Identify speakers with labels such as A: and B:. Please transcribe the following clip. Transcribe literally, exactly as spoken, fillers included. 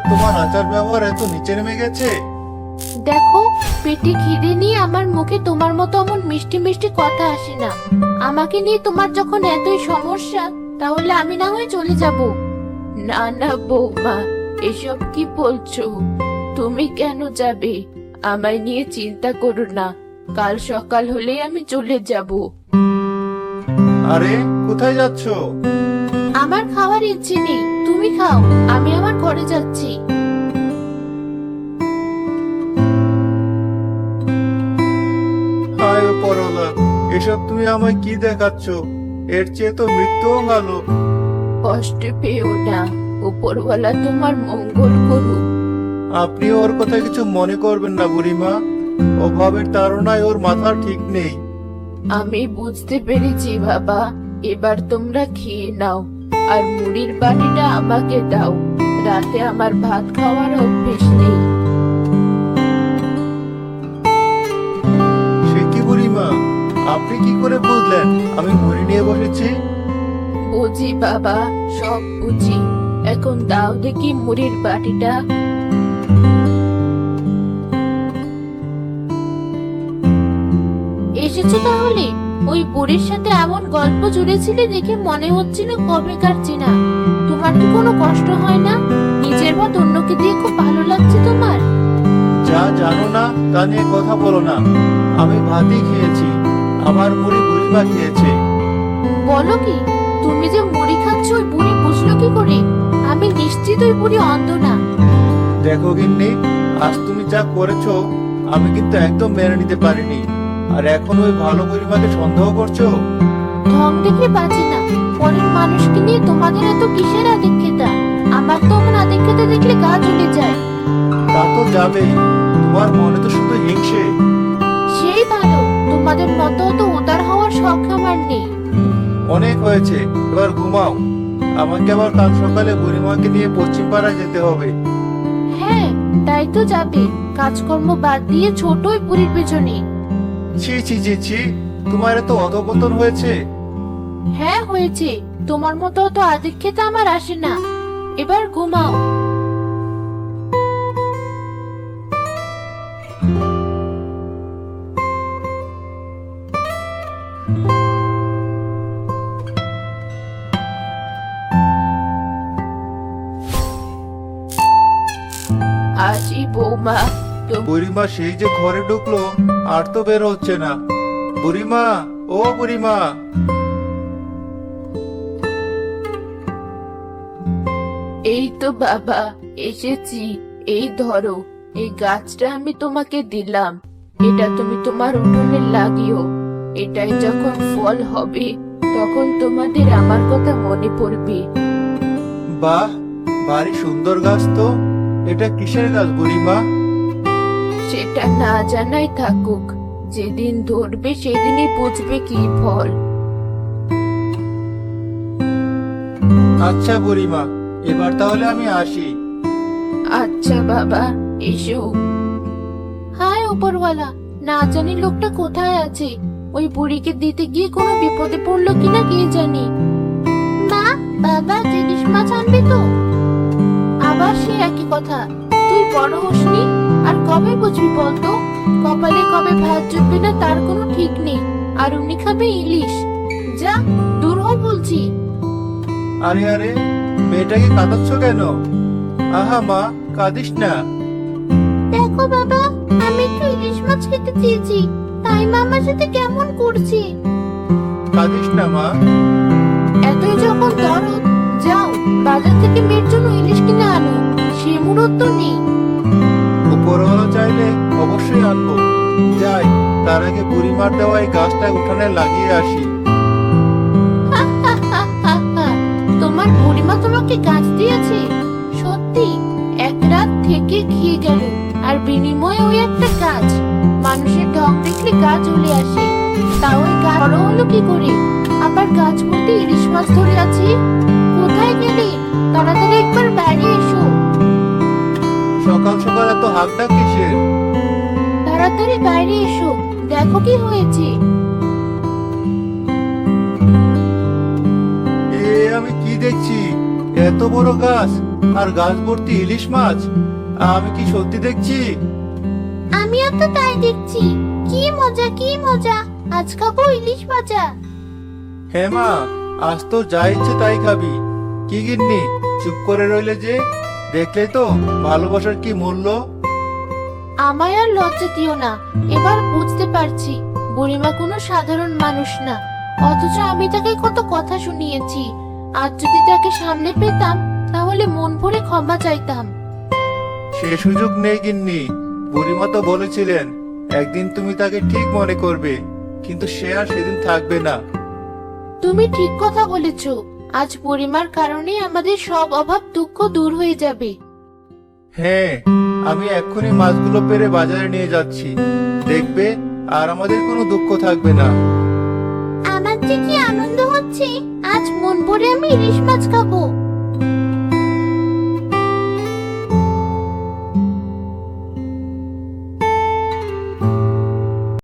A: তোমার আচার ব্যবহার এত নিচে নেমে গেছে?
B: দেখো, পেটে খিদে নিয়ে আমার মুখে তোমার মতো এমন মিষ্টি মিষ্টি কথা আসে না। আমাকে নিয়ে তোমার যখন এতই সমস্যা, তাহলে আমি না হয় চলে যাব। না না বৌমা, এসব কি বলছো? তুমি কেন যাবে? আমায় নিয়ে চিন্তা করো না, কাল সকাল হলেই আমি চলে যাব।
A: আরে কোথায় যাচ্ছ?
B: আমার খাওয়ার ইচ্ছে নেই, তুমি খাও, আমি আমার ঘরে যাচ্ছি।
A: হায় পরলা, এসব তুমি আমায় কি দেখাচ্ছ? এর চেয়ে তো মৃত্যুও ভালো।
B: কষ্ট পেও না, উপরওয়ালা তোমার মঙ্গল করুক।
A: আপনি ওর কথা কিছু মনে করবেন না বুড়িমা। অভাবের তাড়নায় ওর মাথা ঠিক নেই।
B: আমি বুঝতে পেরেছি বাবা, এবার তোমরা খেয়ে নাও, আর মুড়ির বাটিটা আমাকে দাও। রাতে আমার ভাত খাওয়ার অভ্যেস নেই।
A: সে কি বুড়িমা, আপনি কি করে বুঝলেন আমি মুড়ি নিয়ে বসেছি?
B: বুঝি বাবা, সব বুঝি। এখন দাও দেখি মুড়ির বাটিটা। এসেছো তাহলে? ওই বুড়ির সাথে এমন গল্প জুড়েছিলে দেখে মনে হচ্ছিল কবেকার চেনা। তোমার কি কোনো কষ্ট হয় না? নিজের ভাত অন্যকে দিয়ে খুব ভালো লাগছে তোমার?
A: যা জানো না তা নিয়ে কথা বলো না। আমি ভাতই খেয়েছি, আমার মুড়ি বুড়িমা খেয়েছে।
B: বলো কি? তুমি যে মুড়ি খাচ্ছ ওই বুড়ি বুঝলো কি করে? আমি নিশ্চিত ওই বুড়ি অন্ধ না।
A: দেখো গিন্নি, আজ তুমি যা করেছো আমি কিন্তু একদম মেনে নিতে পারিনি। আর এখন ওই ভালো বুড়িমাকে সন্দেহ করছো?
B: ঢং দেখে বাঁচে না। পরের মানুষকে নিয়ে তোমাদের এত কিসের আদিক্ষেতা? আমার তো এমন আদিক্ষেতা দেখলে গা জ্বলে যায়।
A: তা তো যাবেই, তোমার মনে তো শুধু হিংসে।
B: সেই ভালো, তোমাদের মতো তো উদার হওয়ার শখ আমার নেই।
A: অনেক হয়েছে, এবার ঘুমাও। আমাকে আবার কাল সকালে বুড়িমাকে নিয়ে পশ্চিম পাড়ায় যেতে হবে।
B: হ্যাঁ, তাই তো যাবে, কাজকর্ম বাদ দিয়ে ছোট ওই বুড়ির পেছনে।
A: ছি ছি ছি ছি, তোমার এত অধপতন হয়েছে?
B: হ্যাঁ হয়েছে, তোমার মতো তো আদিক্ষেতা আমার আসে না। এবার ঘুমাও। আজি বৌমা, তো-
A: বুড়িমা সেই যে ঘরে ঢুকলো, আর তো বের হচ্ছে না। বুড়িমা, ও বুড়িমা।
B: এই তো বাবা, এসেছি। এই ধরো, এই গাছটা আমি তোমাকে দিলাম। এটা তুমি তোমার উঠোনে লাগিও। এটাই যখন ফল হবে, তখন তোমাদের আমার কথা মনে পড়বে।
A: বাহ, ভারী সুন্দর গাছ তো। এটা কিসের গাছ বুড়িমা?
B: সেটা না জানাই থাকুক, যেদিন ধরবে সেদিনই বুঝবে কি ফল।
A: আচ্ছা বুড়িমা, এবার তাহলে আমি আসি।
B: আচ্ছা বাবা, এসো। হায় উপরওয়ালা, না জানি লোকটা কোথায় আছে। ওই বুড়িকে দিতে গিয়ে কোনো বিপদে পড়লো কিনা কে জানি। মা, বাবা জিনিস মাছ আনবে তো? আবার সে একই কথা। তুই বড় হসনি, আর কবে বুঝবি বলতো? কপালে কবে ভাত জুটবে না তার কোনো ঠিক নেই। আর উনি খাবে ইলিশ। যা, দূর হ বলছি।
A: আরে আরে, মেয়েটাকে কাঁদাচ্ছ কেন? আহা মা, কাঁদিস না।
B: দেখো বাবা, আমি একটু ইলিশ মাছ খেতে চেয়েছি, তাই মা আমার সাথে কেমন করছে।
A: কাঁদিস না মা।
B: এতই যখন দরদ, যাও বাজার থেকে মেয়ের জন্য ইলিশ কিনে আনো। সে মুরত তো নেই।
A: উপরওয়ালা চাইলে অবশ্যই আনবো। যাই, তার আগে বুড়িমার দেওয়া এই গাছটা উঠানে লাগিয়ে আসি।
B: তোমার বুড়িমা তোমাকে গাছ দিয়েছে? সত্যি? এক রাত থেকে খেয়ে গেল, আর বিনিময়ে ওই একটা গাছ। মানুষের ঢং দেখলে গা জ্বলে আসে। তা ওই গাছ বড় হলো কি করে? আবার গাছ মধ্যে ইলিশ মাছ ধরে আছে। কোথায় গেলে? তাড়াতাড়ি একবার বাইরে এসো।
A: সকাল সকাল এত হাঁকডাক কিসের?
B: তাড়াতাড়ি বাইরে এসো, দেখো কি হয়েছে।
A: এ আমি কি দেখছি? এত বড় গাছ, আর গাছ ভর্তি ইলিশ মাছ। আমি কি সত্যি দেখছি?
B: আমিও তো তাই দেখছি। কি মজা কি মজা, আজ খাবো ইলিশ ভাজা।
A: হ্যাঁ মা, আজ তো যা ইচ্ছে তাই খাবি। কি গিন্নি, চুপ করে রইলে যে? দেখলে তো ভালোবাসার কি মূল্য।
B: আমায় আর লজ্জা দিও না, এবার বুঝতে পারছি বুড়িমা কোনো সাধারণ মানুষ না। অথচ আমি তাকে কত কথা শুনিয়েছি। আজ যদি তাকে সামনে পেতাম তাহলে মন ভরে ক্ষমা চাইতাম।
A: সে সুযোগ নেই গিন্নি। বুড়িমা তো বলেছিলেন একদিন তুমি তাকে ঠিক মনে করবে, কিন্তু সে আর সেদিন থাকবে না।
B: তুমি ঠিক কথা বলেছো। আজ বুড়িমার কারণে আমাদের সব অভাব দুঃখ দূর হয়ে যাবে।
A: হ্যাঁ, আমি এক্ষুনি মাছগুলো পেরে বাজারে নিয়ে যাচ্ছি। দেখবে আর আমাদের কোনো দুঃখ থাকবে না।
B: আমার যে কি আনন্দ হচ্ছে, আজ মন ভরে আমি ইলিশ মাছ খাবো।